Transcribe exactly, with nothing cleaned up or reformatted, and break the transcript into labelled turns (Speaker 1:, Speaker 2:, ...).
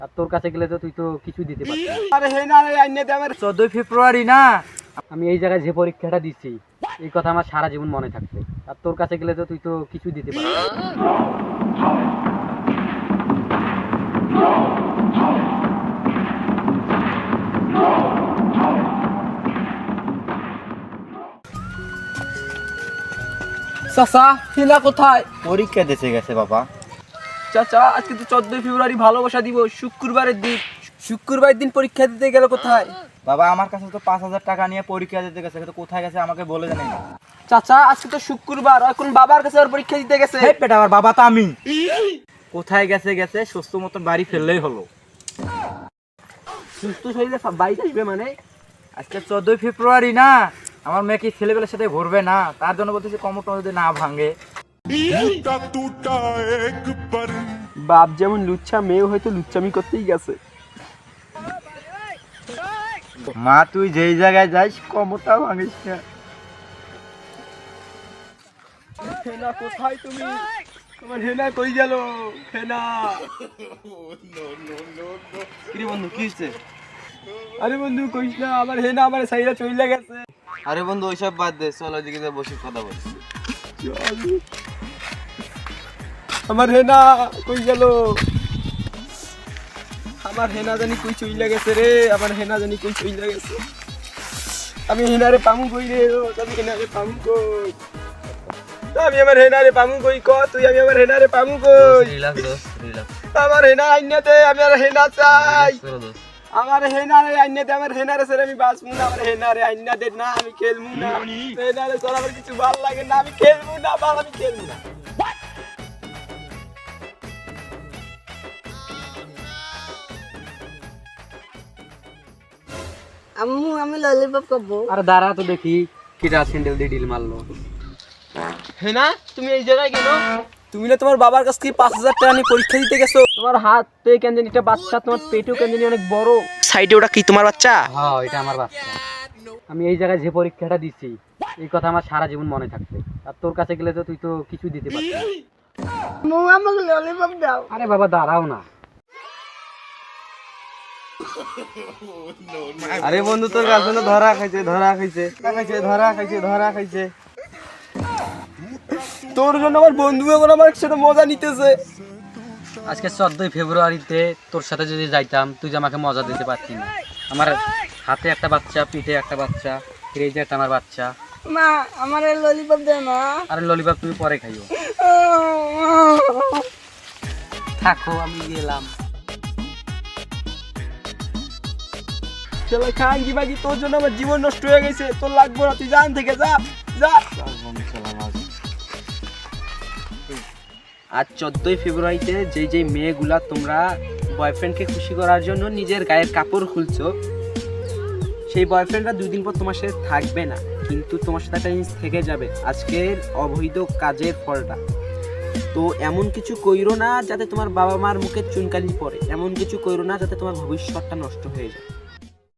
Speaker 1: আর তোর কাছে গেলে তো তুই তো কিছু দিতে পারবি না।
Speaker 2: আরে হে না রে আইনে দে আমার
Speaker 1: চোদ্দই ফেব্রুয়ারি না, আমি এই জায়গায় যে পরীক্ষাটা দিচ্ছি এই কথা আমার সারা জীবন মনে থাকবে। আর তোর কাছে গেলে তো তুই তো কিছু দিতে পারবি না।
Speaker 2: চাচা হিনা কোথায়?
Speaker 3: পরীক্ষা দিতে গেছে বাবা।
Speaker 2: চাচা আজকে তো চোদ্দই ফেব্রুয়ারি ভালোবাসা দিবস, শুক্রবারের দিন। শুক্রবারের দিন পরীক্ষা দিতে গেল কোথায়?
Speaker 3: বাবা আমার কাছে তো পাঁচ হাজার টাকা নিয়ে পরীক্ষা দিতে গেছে, কিন্তু কোথায় গেছে আমাকে বলে জানেন না।
Speaker 2: চাচা আজকে তো শুক্রবার, এখন বাবার কাছে আর পরীক্ষা দিতে গেছে।
Speaker 3: এই পেটা আমার বাবা তো আমি। কোথায় গেছে গেছে সুস্থ মতন বাড়ি ফেললেই হলো।
Speaker 2: সুস্থ শরীরে বাইক আসবে মানে?
Speaker 3: আজকে চোদ্দই ফেব্রুয়ারি না, আমার মেয়ে কি ছেলেবেলার সাথে ঘুরবে না, তার জন্য বলতেছি কমরটা যদি না ভাঙে।
Speaker 2: বাপ যেমন লুচ্ছা, মেয়ে হয়তো লুচ্চামি করতেই গেছে।
Speaker 3: মা তুই যেই জায়গায় যাইস কমরটা ভাঙিস না।
Speaker 2: হেনা কোথায় তুমি? তোমার হেনা কই গেল? হেনা
Speaker 3: কি বন্ধু কি হচ্ছে?
Speaker 2: আরে বন্ধু কইস না, আমার হেনা আমার সাইরা চইলা গেছে।
Speaker 3: আরে বন্ধু ওইসব বাদ দে, চল ওইদিকে বসে কথা বলছি।
Speaker 2: আমার হেনা কই গেল? আমার হেনা জানি কই চইলা গেছে রে, আমার হেনা জানি কই চইলা গেছে। আমি হেনারে পামু কই রে? আমি হেনারে পামু কই? আমি আমার হেনারে পামু কই ক তুই? আমি আমার হেনারে পামু কই?
Speaker 3: রিল্যাক্স দোস্ত রিল্যাক্স।
Speaker 2: আমার হেনা আইনা দে, আমি আর হেনা চাই। আমার হেনারে আইনা দে, আমার হেনারে ছেড়ে আমি বাঁচবো না। আমার হেনারে আইনা দে, না আমি খেলবো না। হেনারে ছাড়া আমার কিছু ভালো লাগে না, আমি খেলবো না, বাল আমি খেলবো না।
Speaker 4: আম্মু আমি ললিপপ খাবো।
Speaker 1: আরে দাঁড়া তো দেখি কিটা স্যান্ডেল দিয়ে ডিল মারলো।
Speaker 2: হেনা তুমি এই জায়গায় কেন? তুমি না তোমার বাবার কাছ থেকে পাঁচ হাজার টাকা নিয়ে পরীক্ষা দিতে গেছো? তোমার হাতে কেন জানি একটা বাচ্চা, তোমার পেটেও কেন জানি অনেক বড়। সাইডে ওটা কি তোমার বাচ্চা?
Speaker 1: হ্যাঁ এটা আমার বাচ্চা। আমি এই জায়গায় যে পরীক্ষাটা দিচ্ছি এই কথা আমার সারা জীবন মনে থাকবে। আর তোর কাছে গেলে তো তুই তো কিছু দিতে পারবি না।
Speaker 4: আম্মু আমাকে ললিপপ দাও।
Speaker 1: আরে বাবা দাঁড়াও না।
Speaker 3: আরে বন্ধু তোর গার্লফ্রেন্ড ধরা খাইছে ধরা খাইছে খাইছে ধরা খাইছে ধরা খাইছে।
Speaker 2: তোর জন্য আমার বন্ধু এখন আমার সাথে মজা নিতেছে।
Speaker 1: আজকে চোদ্দই ফেব্রুয়ারিতে তোর সাথে যদি যাইতাম তুই যে আমাকে মজা দিতে পারতি না। আমার হাতে একটা বাচ্চা, পিঠে একটা বাচ্চা, এই যে একটা আমার বাচ্চা।
Speaker 4: মা আমার ললিপপ দাও না।
Speaker 1: আরে ললিপপ তুমি পরে খাইও। থাকো আমি গেলাম।
Speaker 2: চলো খাঙ্গি বাগি, তোর জন্য আমার জীবন নষ্ট হয়ে গেছে। তোর লাগবো না, তুই জান থেকে যা যা। আজ চোদ্দই ফেব্রুয়ারিতে যেই যেই মেয়েগুলা তোমরা বয়ফ্রেন্ডকে খুশি করার জন্য নিজের গায়ের কাপড় খুলছো, সেই বয়ফ্রেন্ডরা দুই দিন পর তোমার সাথে থাকবে না, কিন্তু তোমার সাথে একটা জিনিস থেকে যাবে, আজকের অবৈধ কাজের ফলটা। তো এমন কিছু কইরো না যাতে তোমার বাবা মার মুখে চুনকালি পড়ে, এমন কিছু কইরো না যাতে তোমার ভবিষ্যৎটা নষ্ট হয়ে যায়।